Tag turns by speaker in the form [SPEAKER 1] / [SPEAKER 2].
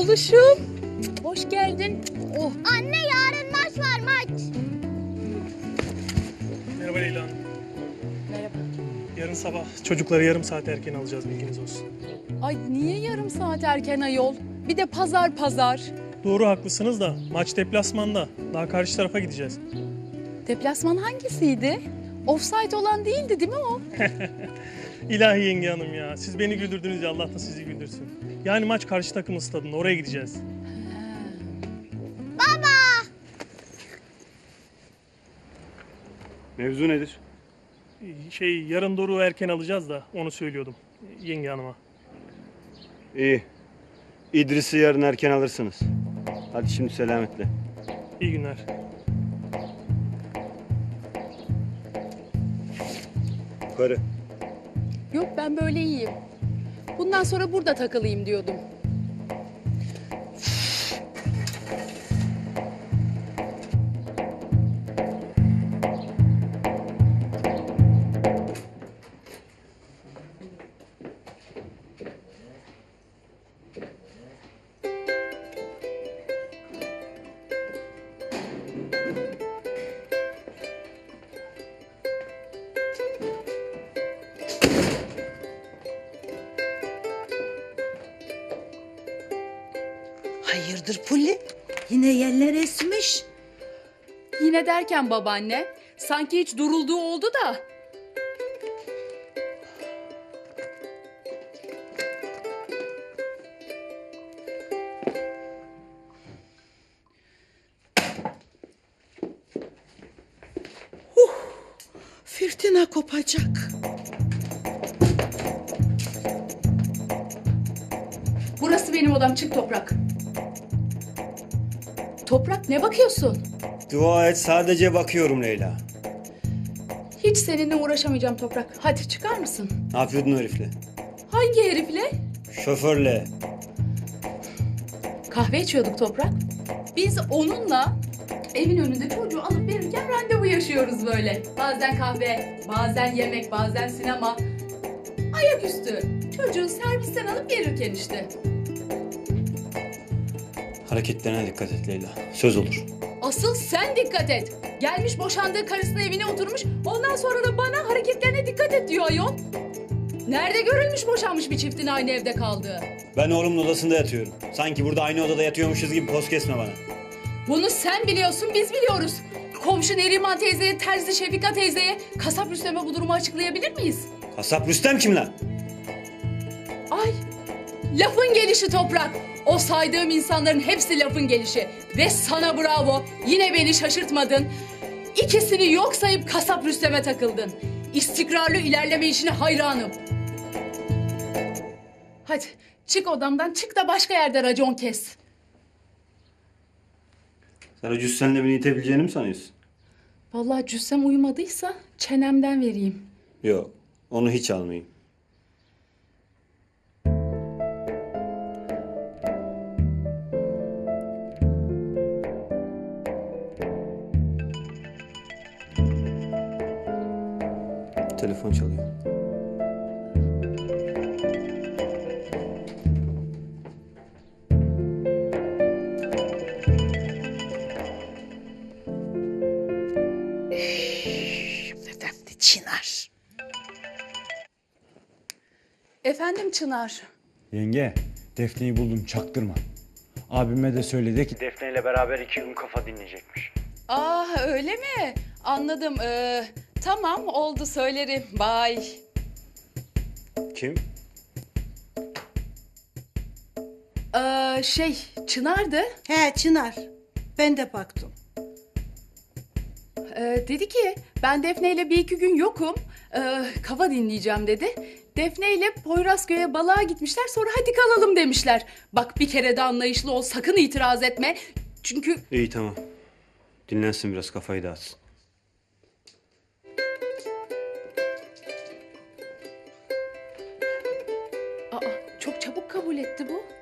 [SPEAKER 1] Oğluşum. Hoş geldin. Oh.
[SPEAKER 2] Anne yarın maç var maç.
[SPEAKER 3] Merhaba Leyla Hanım.
[SPEAKER 1] Merhaba.
[SPEAKER 3] Yarın sabah çocukları yarım saat erken alacağız, bilginiz olsun.
[SPEAKER 1] Ay niye yarım saat erken ayol? Bir de pazar.
[SPEAKER 3] Doğru, haklısınız da maç deplasmanda. Daha karşı tarafa gideceğiz.
[SPEAKER 1] Deplasman hangisiydi? Offside olan değildi değil mi o?
[SPEAKER 3] İlahi yenge hanım ya. Siz beni güldürdünüz ya, Allah da sizi güldürsün. Yani maç karşı takımın stadında, oraya gideceğiz.
[SPEAKER 4] Mevzu nedir?
[SPEAKER 3] Yarın Doruk'u erken alacağız da onu söylüyordum yenge hanıma.
[SPEAKER 4] İyi. İdris'i yarın erken alırsınız. Hadi şimdi selametle.
[SPEAKER 3] İyi günler.
[SPEAKER 4] Yukarı.
[SPEAKER 1] Yok ben böyle iyiyim. Bundan sonra burada takılayım diyordum.
[SPEAKER 5] Hayırdır Pulli? Yine yerler esmiş.
[SPEAKER 1] Yine derken babaanne, sanki hiç durulduğu oldu da.
[SPEAKER 5] Fırtına kopacak.
[SPEAKER 1] Burası benim odam, çık Toprak. Toprak ne bakıyorsun?
[SPEAKER 4] Dua et, sadece bakıyorum Leyla.
[SPEAKER 1] Hiç seninle uğraşamayacağım Toprak. Hadi çıkar mısın?
[SPEAKER 4] Ne yapıyordun o herifle?
[SPEAKER 1] Hangi herifle?
[SPEAKER 4] Şoförle.
[SPEAKER 1] Kahve içiyorduk Toprak. Biz onunla evin önünde çocuğu alıp verirken randevu yaşıyoruz böyle. Bazen kahve, bazen yemek, bazen sinema. Ayaküstü. Çocuğu servisten alıp verirken işte.
[SPEAKER 4] Hareketlerine dikkat et Leyla. Söz olur.
[SPEAKER 1] Asıl sen dikkat et. Gelmiş boşandığı karısının evine oturmuş. Ondan sonra da bana hareketlerine dikkat et diyor ayol. Nerede görülmüş boşanmış bir çiftin aynı evde kaldığı?
[SPEAKER 4] Ben oğlumun odasında yatıyorum. Sanki burada aynı odada yatıyormuşuz gibi poz kesme bana.
[SPEAKER 1] Bunu sen biliyorsun, biz biliyoruz. Komşu Neriman teyzeye, terzi Şefika teyzeye, kasap Rüstem'e bu durumu açıklayabilir miyiz?
[SPEAKER 4] Kasap Rüstem kim lan?
[SPEAKER 1] Ay, lafın gelişi Toprak. O saydığım insanların hepsi lafın gelişi. Ve sana bravo, yine beni şaşırtmadın. İkisini yok sayıp kasap Rüstem'e takıldın. İstikrarlı ilerleme işine hayranım. Hadi çık odamdan, çık da başka yerde racon kes.
[SPEAKER 4] Sen o cüssenle beni itebileceğini mi sanıyorsun?
[SPEAKER 1] Vallahi cüssem uyumadıysa çenemden vereyim.
[SPEAKER 4] Yok, onu hiç almayayım. Telefon çalıyor.
[SPEAKER 5] Efendi Çınar.
[SPEAKER 1] Efendim Çınar.
[SPEAKER 6] Yenge, Defne'yi buldum, çaktırma. Abime de söyledi ki
[SPEAKER 4] Defne ile beraber 2 gün kafa dinleyecekmiş.
[SPEAKER 1] Öyle mi? Anladım. Tamam oldu, söylerim. Bye.
[SPEAKER 4] Kim?
[SPEAKER 1] Çınar'dı.
[SPEAKER 5] He Çınar. Ben de baktım.
[SPEAKER 1] Dedi ki ben Defne ile bir iki gün yokum. Kafa dinleyeceğim dedi. Defne ile Poyrazköy'e balığa gitmişler, sonra hadi kalalım demişler. Bak bir kere de anlayışlı ol, sakın itiraz etme. Çünkü
[SPEAKER 4] İyi tamam. Dinlensin biraz, kafayı dağıtsın.
[SPEAKER 1] çok çabuk kabul etti bu.